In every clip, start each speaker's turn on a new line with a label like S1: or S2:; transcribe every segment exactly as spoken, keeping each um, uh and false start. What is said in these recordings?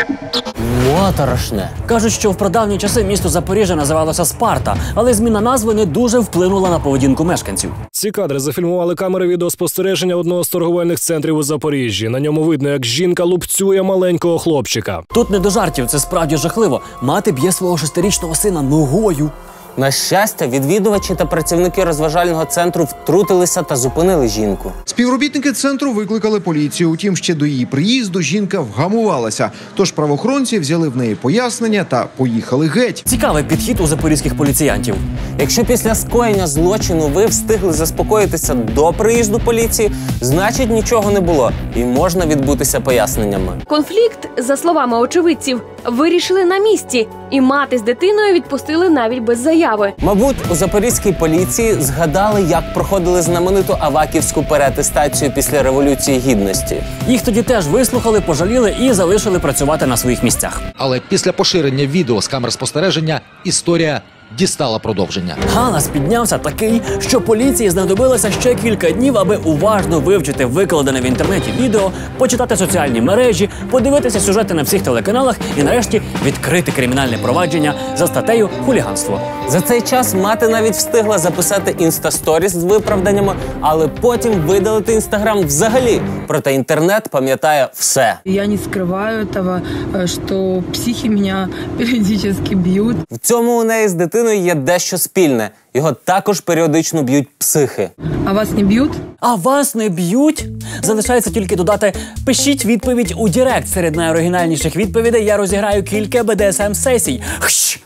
S1: Моторошне. Кажуть, що в прадавні часи місто Запоріжжя називалося Спарта, але зміна назви не дуже вплинула на поведінку мешканців.
S2: Ці кадри зафільмували камери відеоспостереження одного з торговельних центрів у Запоріжжі. На ньому видно, як жінка лупцює маленького хлопчика.
S1: Тут не до жартів, це справді жахливо. Мати б'є свого шестирічного сина ногою.
S3: На щастя, відвідувачі та працівники розважального центру втрутилися та зупинили жінку.
S4: Співробітники центру викликали поліцію. Утім, ще до її приїзду жінка вгамувалася. Тож правоохоронці взяли в неї пояснення та поїхали геть.
S1: Цікавий підхід у запорізьких поліціянтів.
S3: Якщо після скоєння злочину ви встигли заспокоїтися до приїзду поліції, значить нічого не було і можна відбутися поясненнями.
S5: Конфлікт, за словами очевидців, вирішили на місці, і мати з дитиною відпустили навіть без заяви.
S3: Мабуть, у запорізькій поліції згадали, як проходили знамениту аваківську переатестацію після Революції Гідності.
S1: Їх тоді теж вислухали, пожаліли і залишили працювати на своїх місцях.
S6: Але після поширення відео з камер спостереження історія дістала продовження.
S1: Галас піднявся такий, що поліції знадобилося ще кілька днів, аби уважно вивчити викладене в інтернеті відео, почитати соціальні мережі, подивитися сюжети на всіх телеканалах і нарешті відкрити кримінальне провадження за статтею «Хуліганство».
S3: За цей час мати навіть встигла записати інстасторіс з виправданнями, але потім видалити інстаграм взагалі. Проте інтернет пам'ятає все.
S7: Я не скриваю того, що психи мене періодично б'ють.
S3: В цьому у неї з дитиною є дещо спільне. Його також періодично б'ють психи.
S7: А вас не б'ють?
S1: А вас не б'ють? Залишається тільки додати «Пишіть відповідь у Директ». Серед найоригінальніших відповідей я розіграю кілька бе де ес ем-сесій. Хщ!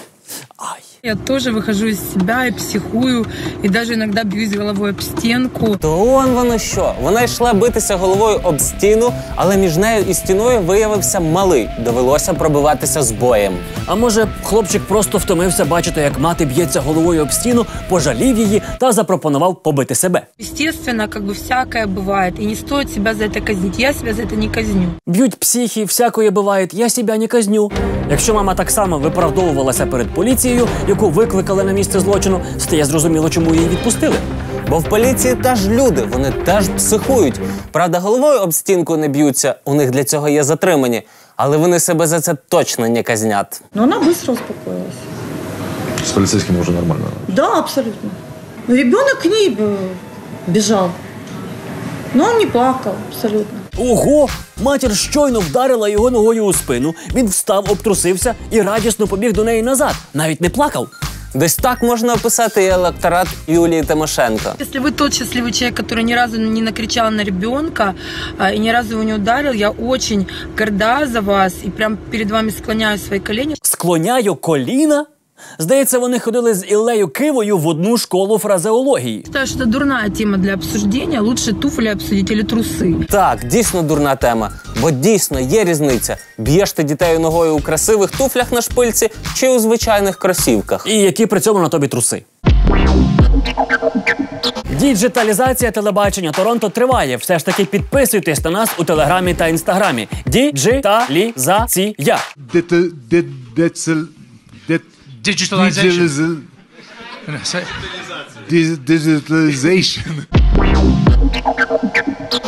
S1: Ай.
S7: Я тоже выхожу из себя и психую, и даже иногда бьюсь головой об стенку.
S3: То он воно що. Вона йшла битися головою об стіну, але між нею і стіною виявився малий. Довелося пробиватися з боєм.
S1: А може, хлопчик просто втомився бачити, як мати б'ється головою об стіну, пожалів її та запропонував побити себе.
S7: Естественно, как бы всякое бывает, и не стоит себя за это казнить. Я себя за это не казню.
S1: Б'ють психи, всякое буває, я себе не казню. Якщо мама так само виправдовувалася перед поліцією, яку викликали на місце злочину, стає зрозуміло, чому її відпустили.
S3: Бо в поліції теж люди, вони теж психують. Правда, головою об стінку не б'ються, у них для цього є затримані. Але вони себе за це точно не казнять.
S8: Но она быстро успокоилась.
S9: С полицейским уже нормально?
S8: Да, абсолютно. Ребенок к ней бежал, но он не плакал, абсолютно.
S1: Ого! Матір щойно вдарила його ногою у спину, він встав, обтрусився і радісно побіг до неї назад. Навіть не плакав.
S3: Десь так можна описати і електорат Юлії Тимошенко.
S7: Если вы тот счастливый человек, который ни разу не накричал на ребенка а, и ни разу его не ударил, я очень горда за вас и прям перед вами склоняю свои колени.
S1: Склоняю коліна? Здається, вони ходили з Іллею Кивою в одну школу фразеології.
S7: Считаю, что это дурная тема для обсуждения. Лучше туфли обсудить или трусы.
S3: Так, дійсно дурна тема. Бо дійсно є різниця. Б'єш ти дітей ногою у красивих туфлях на шпильці чи у звичайних кросівках.
S1: І які при цьому на тобі труси. Діджиталізація телебачення Торонто триває. Все ж таки підписуйтесь на нас у Телеграмі та Інстаграмі. Діджиталізація.
S10: Digitalization.
S9: Digitalization.